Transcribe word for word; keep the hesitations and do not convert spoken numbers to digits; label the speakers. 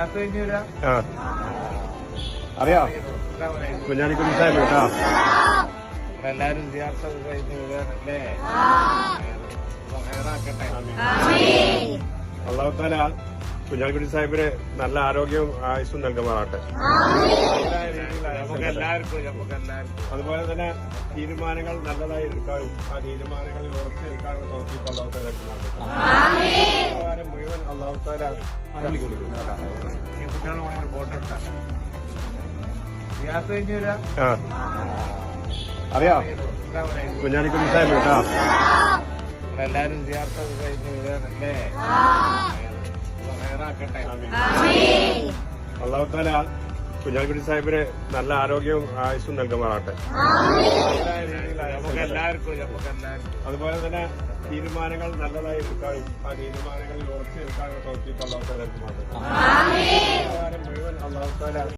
Speaker 1: ആ അറിയാ കുഞ്ഞാലിക്കുട്ടി സാഹിബ് കേട്ടോ
Speaker 2: എല്ലാരും സിയാർത്തൊക്കെ കഴിഞ്ഞ് വിടുകയാണല്ലേ. ഹൈറാക്കട്ടെ.
Speaker 1: അള്ളാഹു തആല കുഞ്ഞാലിക്കുട്ടി സാഹിബിന് നല്ല ആരോഗ്യവും ആയുസ്സും നൽകുമാറാട്ടെ.
Speaker 2: നമുക്ക് എല്ലാവർക്കും നമുക്ക് എല്ലാവർക്കും
Speaker 1: അതുപോലെ തന്നെ തീരുമാനങ്ങൾ നല്ലതായി എടുക്കാനും ആ തീരുമാനങ്ങളിൽ ഉറച്ചു നിൽക്കാനും തോന്നിയിട്ട് അള്ളാഹു തആല മുഴുവൻ അള്ളാഹു തആല കൊടുക്കും.
Speaker 2: ഈ കുട്ടികളെ ഫോട്ടോ എടുക്കാം. സിയാർത്ത് കഴിഞ്ഞ് വരാം.
Speaker 1: ആ അറിയാ കുഞ്ഞാലിക്കുട്ടി സാഹിബ് കേട്ടോ
Speaker 2: എല്ലാരും സിയാർത്തൊക്കെ കഴിഞ്ഞ് വിടുകയാണല്ലേ. ഹൈറാക്കട്ടെ.
Speaker 1: അള്ളാഹു തആല കുഞ്ഞാലിക്കുട്ടി സാഹിബിന് നല്ല ആരോഗ്യവും ആയുസ്സും നൽകുമാറാട്ടെ.
Speaker 2: നമുക്ക് എല്ലാവർക്കും നമുക്ക് എല്ലാവർക്കും
Speaker 1: അതുപോലെ തന്നെ തീരുമാനങ്ങൾ നല്ലതായി എടുക്കാനും ആ തീരുമാനങ്ങളിൽ ഉറച്ചു നിൽക്കാനും തോന്നിയിട്ട് അള്ളാഹു തആല മുഴുവൻ അള്ളാഹു തആല